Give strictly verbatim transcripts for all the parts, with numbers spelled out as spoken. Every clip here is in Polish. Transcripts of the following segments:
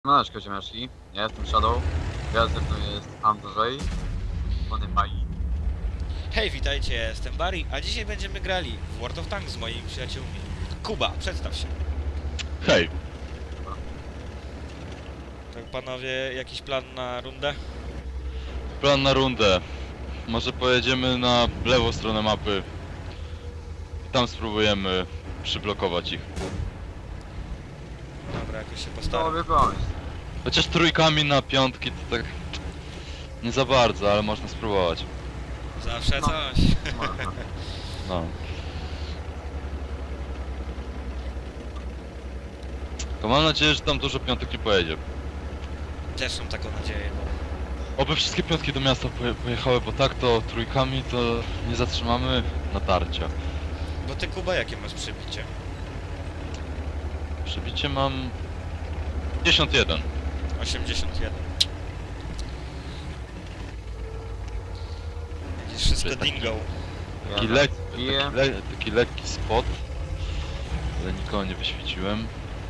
No, ziomeczki, ja jestem Shadow, ja ze mną jest Andrzej, Pony Mai. Hej, witajcie, ja jestem Barry, a dzisiaj będziemy grali w World of Tanks z moimi przyjaciółmi. Kuba, przedstaw się. Hej, Tak, panowie, jakiś plan na rundę? plan na rundę. Może pojedziemy na lewą stronę mapy i tam spróbujemy przyblokować ich. Dobra, jakoś się postaram. Dobry pomysł. Chociaż trójkami na piątki to tak nie za bardzo, ale można spróbować. Zawsze No. coś. Można. No. To mam nadzieję, że tam dużo piątek nie pojedzie. Też mam taką nadzieję, bo... Oby wszystkie piątki do miasta poje pojechały, bo tak to trójkami to nie zatrzymamy natarcia. Bo ty, Kuba, jakie masz przybicie? Przebicie mam pięćdziesiąt jeden. osiemdziesiąt jeden. Widzisz, wszystko Taki- dingo. Taki, Ja lek piję. taki, le taki lekki spot, ale nikogo nie wyświeciłem.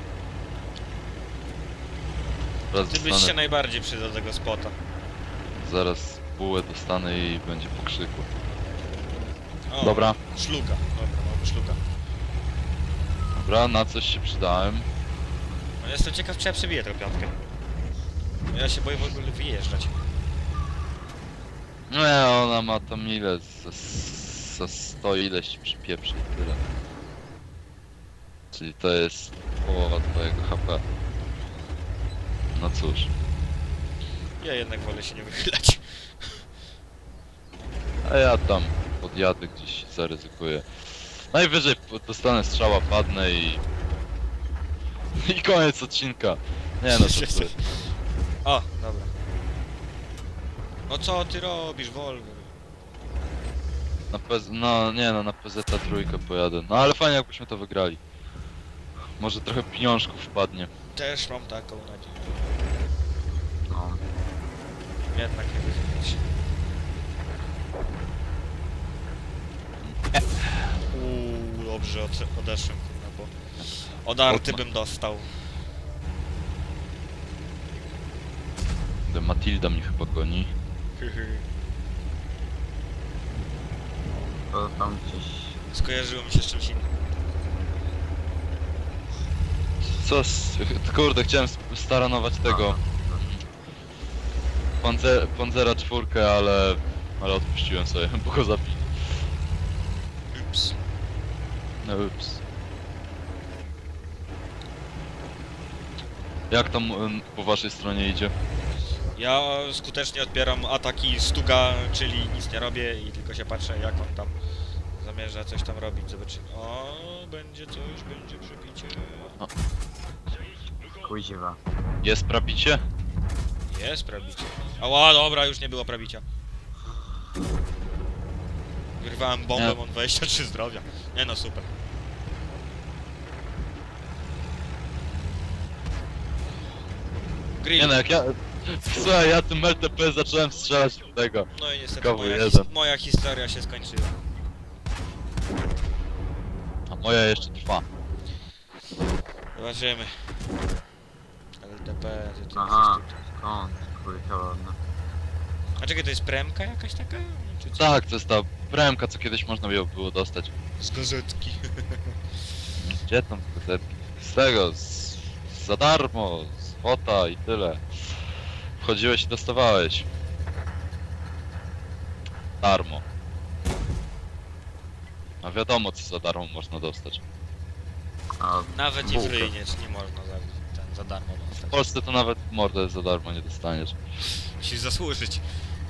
Zaraz Ty byś się dostanę, najbardziej przydał do tego spota. zaraz bułę dostanę i będzie po krzyku. O, Dobra, Szluga, dobra, mamy szluga. dobra, na coś się przydałem. No, jestem ciekaw, czy ja przebiję tę piątkę. No, ja się boję w ogóle wyjeżdżać. Nie, ona ma tam ile? Za, za sto ileś przypieprzy i tyle. Czyli to jest połowa twojego H P. No cóż. Ja jednak wolę się nie wychylać. A ja tam podjadę gdzieś, zaryzykuję. Najwyżej po- dostanę strzała, padnę i... I koniec odcinka. Nie no, to ty. O, dobra. No co ty robisz, Wolver? Na P Z... No nie no, na P Z trójkę pojadę. No ale fajnie jakbyśmy to wygrali. Może trochę pieniążków wpadnie. Też mam taką nadzieję. No. Jednak nie wychylać. Uuu, dobrze od, odeszłem, kurwa, bo... Odarty bym dostał. Kurde, Matilda mnie chyba goni. To tam gdzieś... Skojarzyło mi się z czymś innym. Co z... Kurde, chciałem sp- staranować tego Panzer... Panzera czwórkę, ale... Ale odpuściłem sobie, bo go zabili. Ups. No ups. Jak tam em, po waszej stronie idzie? Ja skutecznie odbieram ataki Stuga, czyli nic nie robię i tylko się patrzę, jak on tam zamierza coś tam robić. Zobaczymy. O, będzie coś, będzie przebicie. Kuźwa. Jest prabicie? Jest prabicie. Ała, dobra, już nie było prabicia. Wyrwałem bombę, Nie. mam dwadzieścia trzy zdrowia. Nie no, super. Grill. Nie no, jak ja... Słuchaj, ja tym L T P zacząłem strzelać w tego. No i niestety Kawu moja, jeden. his moja historia się skończyła. A moja jeszcze trwa. Zobaczymy. L T P, gdzie ty Aha, jesteś tutaj? skąd? Kurka ładna. A czekaj, to jest premka jakaś taka? Czy co? Tak, to jest ta premka, co kiedyś można było było dostać. Z gazetki. Gdzie tam te gazetki? Z tego, z... za darmo, z fota i tyle. Wchodziłeś i dostawałeś. Darmo. A wiadomo, co za darmo można dostać. A, Nawet i bułkę. w ryj nie, nie można za, ten, za darmo W dostać. Polsce to nawet mordę za darmo nie dostaniesz. Musisz zasłużyć.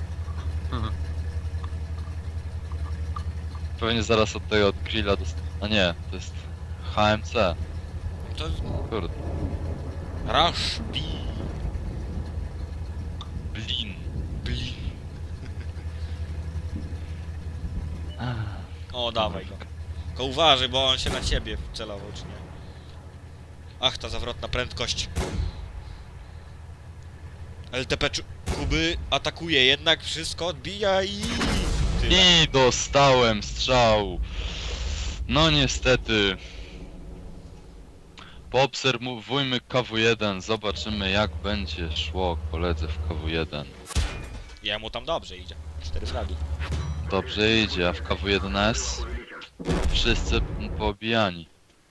Pewnie zaraz od tego od grilla dost... A nie, to jest H M C. To... Kurde. Rush B. Blin. Blin. O, dawaj go. Tylko uważaj, bo on się na ciebie celował, czy nie? Ach, ta zawrotna prędkość. L T P czu- Kuby atakuje, jednak wszystko odbija i... Tyle. I dostałem strzał. No niestety. Poobserwujmy K W jeden, zobaczymy jak będzie szło koledze w K W jeden. Jemu tam dobrze idzie. Cztery fragi. Dobrze idzie, a w K W jeden S wszyscy poobijani.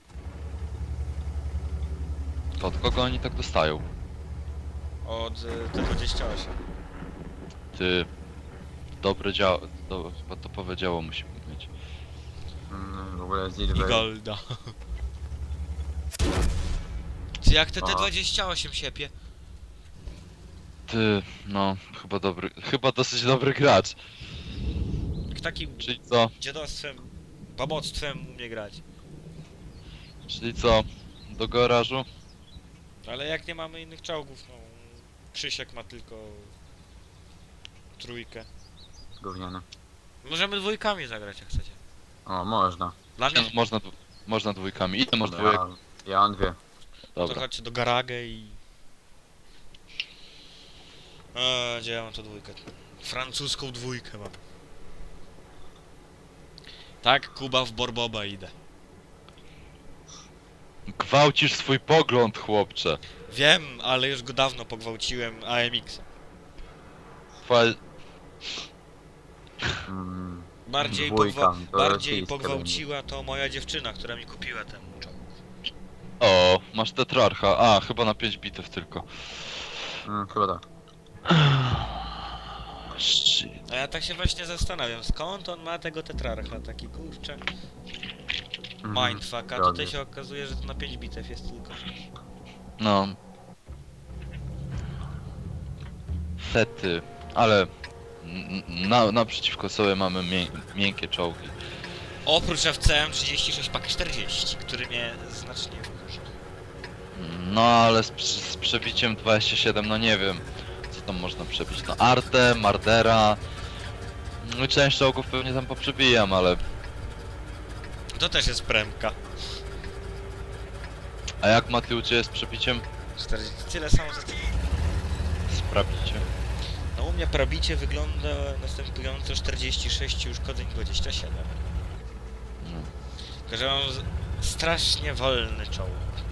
To od kogo oni tak dostają? Od y, T dwadzieścia osiem. Ty... Dobre działo... Do, chyba topowe działo musimy mieć. Mm, w ogóle I Silver. Golda. Czy jak te Aha. T dwadzieścia osiem siepie? Ty... no... chyba dobry... chyba dosyć dobry gracz. Jak takim Czyli co? dziadostwem, baboctwem umie grać. Czyli co? Do garażu? Ale jak nie mamy innych czołgów, no... Krzysiek ma tylko... Trójkę. Gówniany. Możemy dwójkami zagrać jak chcecie. O, można. Dla Nie, mnie no, można, dwu- można dwójkami. Ile masz dwójek? Ja, ja mam dwie. to Dobra. chodźcie do garagę i... A, gdzie ja mam to dwójkę? Francuską dwójkę mam. Tak, Kuba w Borboba idę. Gwałcisz swój pogląd, chłopcze. Wiem, ale już go dawno pogwałciłem A M X-em. Twoja... Mm, Bardziej, Dwójka, pogwa to bardziej rosyjska pogwałciła to moja dziewczyna, która mi kupiła ten czołg. O, masz tetrarcha. A, chyba na pięć bitew tylko. mm, chyba tak. Shit. A ja tak się właśnie zastanawiam, skąd on ma tego tetrarcha, taki kurczę Mhm, mindfuck, a zgadza tutaj się okazuje, że to na pięć bitew jest tylko. No. Fety. Ale... n- Na, naprzeciwko sobie mamy mię miękkie czołgi. Oprócz F C M trzydzieści sześć pak czterdzieści, który mnie znacznie wkurza. No ale z, prze- z przebiciem dwadzieścia siedem, no nie wiem. Co tam można przebić? No Arte, Mardera. No część czołgów pewnie tam poprzebijam, ale... To też jest premka. A jak Maty u Ciebie z przebiciem? czterdzieści, tyle samo za tyle. Sprawdźcie. No u mnie probicie wygląda następująco czterdzieści sześć i uszkodzeń dwadzieścia siedem. No. Tylko, że mam z- strasznie wolny czołg.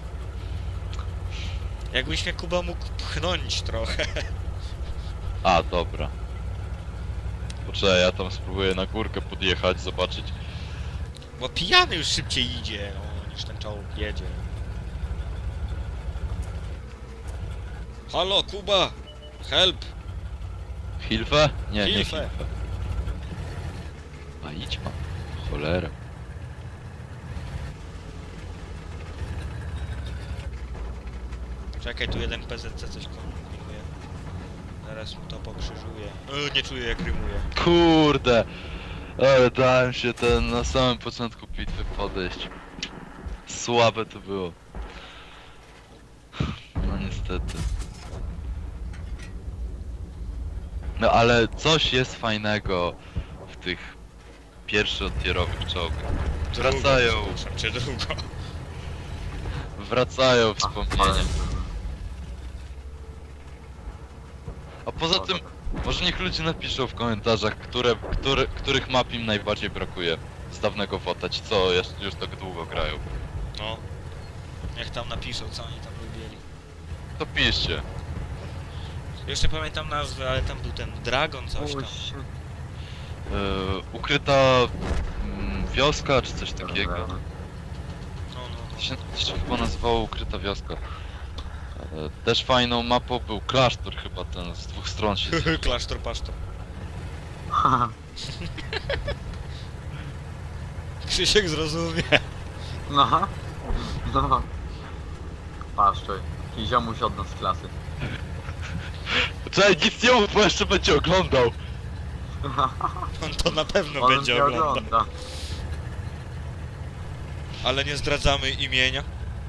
Jakbyś mnie Kuba mógł pchnąć trochę. A, dobra. Poczekaj, ja tam spróbuję na górkę podjechać, zobaczyć. Bo pijany już szybciej idzie, no, niż ten czołg jedzie. Halo, Kuba! Help! Hilfe? Nie, nie Hilfe. Hilfe. A idź ma. Cholera. Czekaj, tu jeden P Z C coś kombinuje. Zaraz mu to pokrzyżuje. E, nie czuję jak rymuje. Kurde! Ale dałem się ten na samym początku bitwy podejść. Słabe to było. No niestety. No ale coś jest fajnego w tych pierwszotierowych czołgach. Wracają, Drugo, przepraszam cię, drugo. wracają A, wspomnienia. ale- A poza tym, może niech ludzie napiszą w komentarzach, które, które, których map im najbardziej brakuje z dawnego WOTA, ci co jeszcze już tak długo grają. No. Niech tam napiszą, co oni tam lubili. To piszcie. Jeszcze pamiętam nazwę, ale tam był ten Dragon coś tam. Puść. Yy, ukryta mm, wioska, czy coś takiego. No, no, To się, to się chyba nazywało Ukryta Wioska. E, Też fajną mapą był klasztor chyba ten, z dwóch stron się... no. Klasztor, pasztor. Krzysiek zrozumie. No. No. Paszczoj. Jakiś ziomuś od nas z klasy. Czekaj, nic nie mów, bo jeszcze będzie oglądał! On to na pewno On będzie mnie oglądał. ogląda. Ale nie zdradzamy imienia.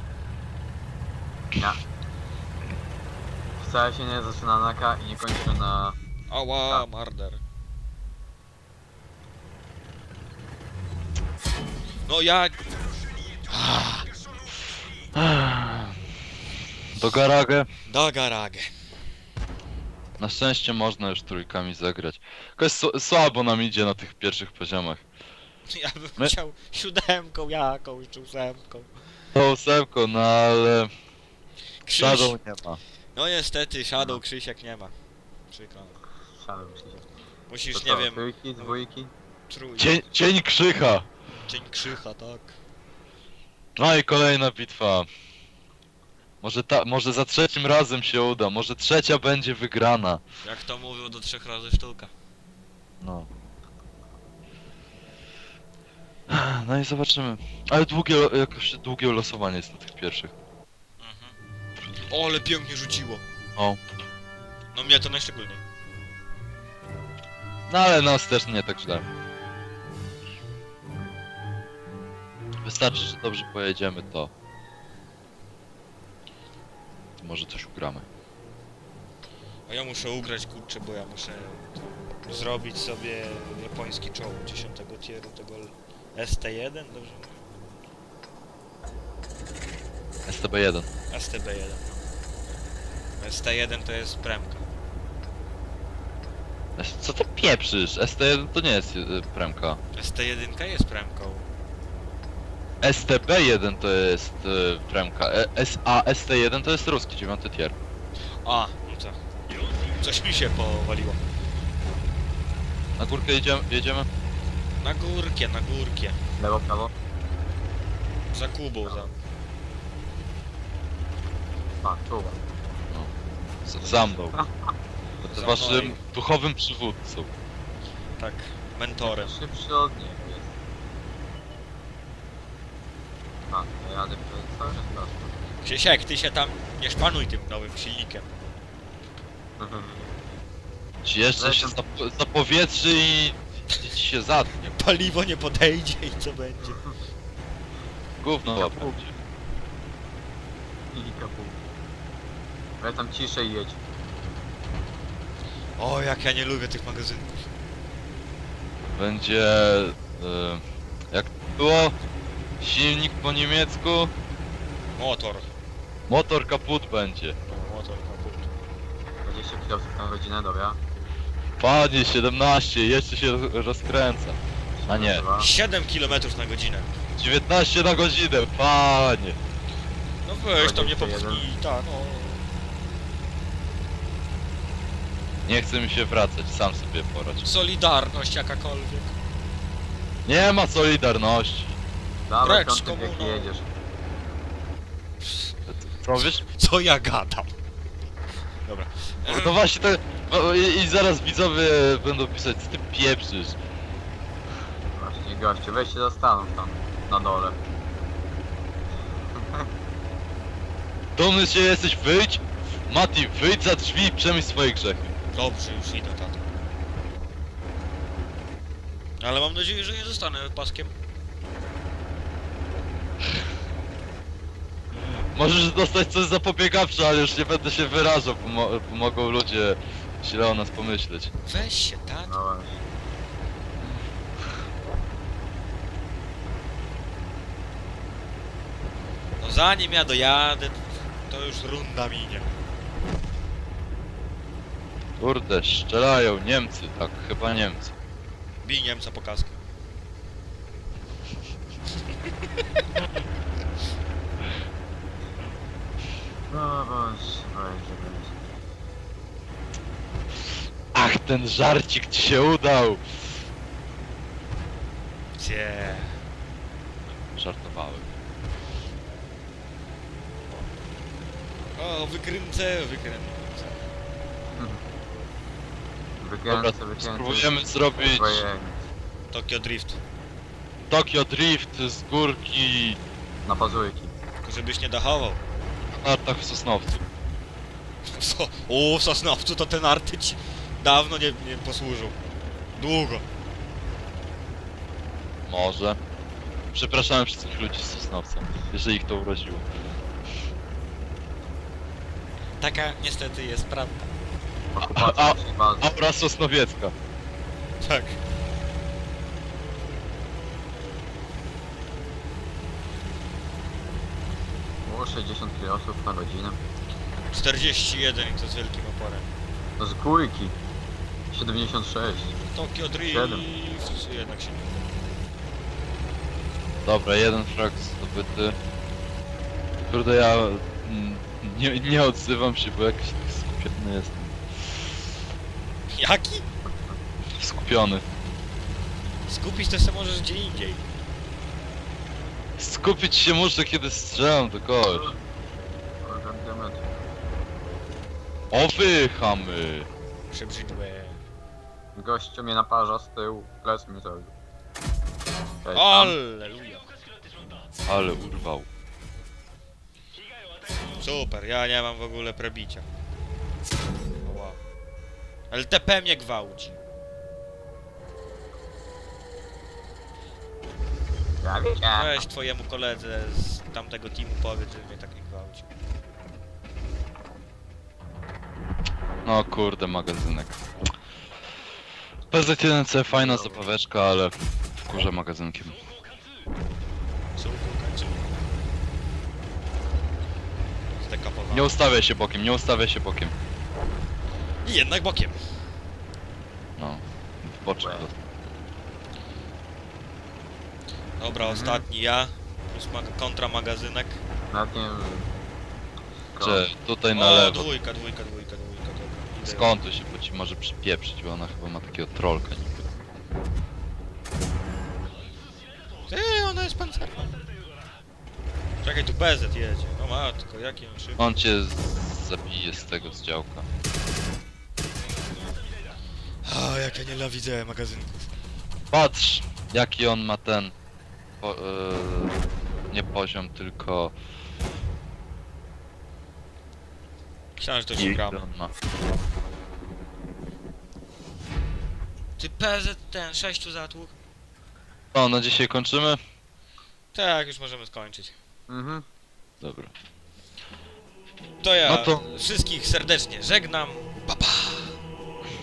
Nie. Wcale się nie zaczyna na K i nie kończy na... Ała, marder. No ja... Do garagę. Da garagę. Na szczęście można już trójkami zagrać. Jakoś s- słabo nam idzie na tych pierwszych poziomach. Ja bym My- chciał siódemką jakąś, czy ósemką. tą ósemką, no ale Krzyś. Shadow nie ma. No niestety, Shadow Krzysiek nie ma. Przykro. Szalał się. Musisz, To nie co, wiem, trójki, dwójki? trój... Cień, cień Krzycha. Cień Krzycha, tak. No i kolejna bitwa. Może ta, może za trzecim razem się uda, może trzecia będzie wygrana. Jak to mówił, do trzech razy sztuka. No. No i zobaczymy. Ale długie, lo- jakoś długie losowanie jest na tych pierwszych. Mhm. O, ale pięknie rzuciło. O. No mnie to najszczególniej. No ale nas też nie tak źle. Wystarczy, że dobrze pojedziemy, to... to może coś ugramy. A ja muszę ugrać, kurczę, bo ja muszę zrobić sobie japoński czołg dziesiątego tieru, tego S T jeden, dobrze mówię? S T B jeden. S T B jeden. S T jeden to jest premka. S- Co ty pieprzysz? S T jeden to nie jest y, premka. S T jeden jest premką. S T B jeden to jest y, premka. E, S A S T jeden to jest ruski dziewiąty tier. A, no co? Coś mi się powaliło. Na górkę jedziemy? jedziemy? Na górkie, na górkie. Lewo, prawo? Za Kubą, za... A, czuwa. Z, za mną. Za Z waszym mną. duchowym przywódcą. Tak, mentorem. Szybszy od niego jest. A, to jadę przez cały czas prosto. Krzysiek, ty się tam nie szpanuj tym nowym silnikiem. Ci jeszcze się zap zapowietrzy i, i ci się zatnie. Paliwo nie podejdzie i co będzie? Gówno Kapu. będzie. I kapu. Ale tam ciszej jedź. O, jak ja nie lubię tych magazynków. Będzie... Y, jak było? Silnik po niemiecku? Motor. Motor kaput będzie. No, motor kaput. dwadzieścia kilometrów na godzinę, dobra. Panie, siedemnaście, jeszcze się rozkręca. A nie. Dwa. siedem kilometrów na godzinę. dziewiętnaście na godzinę, panie. No weź tam nie dwadzieścia jeden. popchnij, tak, no. Nie chce mi się wracać, sam sobie porać. Solidarność jakakolwiek. Nie ma solidarności. Dawaj, Precz, piąty wiek i komuno. jedziesz. Co wiesz? Co ja gadam? Dobra. No właśnie to... no I, i zaraz widzowie będą pisać, co ty pieprzysz. Właśnie, gościu, weź się zastanów tam, na dole. Dumny się jesteś, wyjdź! Mati, wyjdź za drzwi i przemyśl swoje grzechy. Dobrze, już idę, tato. Ale mam nadzieję, że nie zostanę paskiem. Możesz dostać coś zapobiegawcze, ale już nie będę się wyrażał, bo, mo bo mogą ludzie źle o nas pomyśleć. Weź się, tato. No właśnie. No zanim ja dojadę, to już runda minie. Kurde, strzelają Niemcy, tak, chyba Niemcy. Bij Niemca po kaskę. No właśnie, będzie, będzie. Ach, ten żarcik ci się udał! Cie. Żartowałem. O, wykręcę, wykręcę. Wykręcę, Dobra, wykręcę. spróbujemy zrobić Swoje Tokyo Drift. Tokyo Drift z górki na pazurki. Tylko żebyś nie dachował. na nartach w Sosnowcu. So, o, w Sosnowcu to ten arty ci dawno nie, nie posłużył. Długo. Może. Przepraszamy wszystkich ludzi z Sosnowca, jeżeli ich to urodziło. Taka niestety jest prawda. Okupacja a- naszej bazy. Aura Sosnowiecka. Tak. Było sześćdziesiąt kilometrów na godzinę. czterdzieści jeden i to z wielkim oporem. To z górki. siedemdziesiąt sześć. Tokyo Drift. Siedem. Jednak się nie. Dobra, jeden frag zdobyty. Kurde, ja mm, nie, nie odzywam się, bo jakiś tak skupiony jestem. Jaki? Skupiony. Skupić to się możesz gdzie indziej. Skupić się muszę, kiedy strzelam do kogoś. Kurde, diament. O wy, chamy! Przebrzydłe. Gościu mnie naparza z tyłu, plec mi zrobił. Cześć, tam. Alleluja. Ale urwał. Super, ja nie mam w ogóle prebicia. O, wow. L T P mnie gwałci. Ja wiedziałem. Weź twojemu koledze z tamtego teamu powiedz, że mnie tak nie gwałci. No kurde, magazynek. P Z jeden C fajna zabaweczka, ale wkurza magazynkiem. Co kończy? Zdekapowałem. Nie ustawia się bokiem, nie ustawia się bokiem. I jednak bokiem. No, w boczek Łe. dostał. Dobra, Mhm. ostatni ja. Plus mag kontra magazynek. Nawet nie wiem. Czy tutaj na O, lewo. dwójka, dwójka, dwójka, dwójka, dobra. Idę. Skąd się, bo ci może przypieprzyć, bo ona chyba ma takiego trollka niby. Ty, ona jest pancerna. Czekaj, tu B Z jedzie. No matko, jakie on szybko. On cię z- zabije z tego z działka. A, jak ja nienawidzę magazynków. Patrz, jaki on ma ten... Po, yy, nie poziom, tylko... Myślałem, że to już Ile gramy. on ma. Ty P Z ten, sześciu zatłuk. No, na dzisiaj kończymy? Tak, już możemy skończyć. Mhm. Dobra. To ja No to- wszystkich serdecznie żegnam.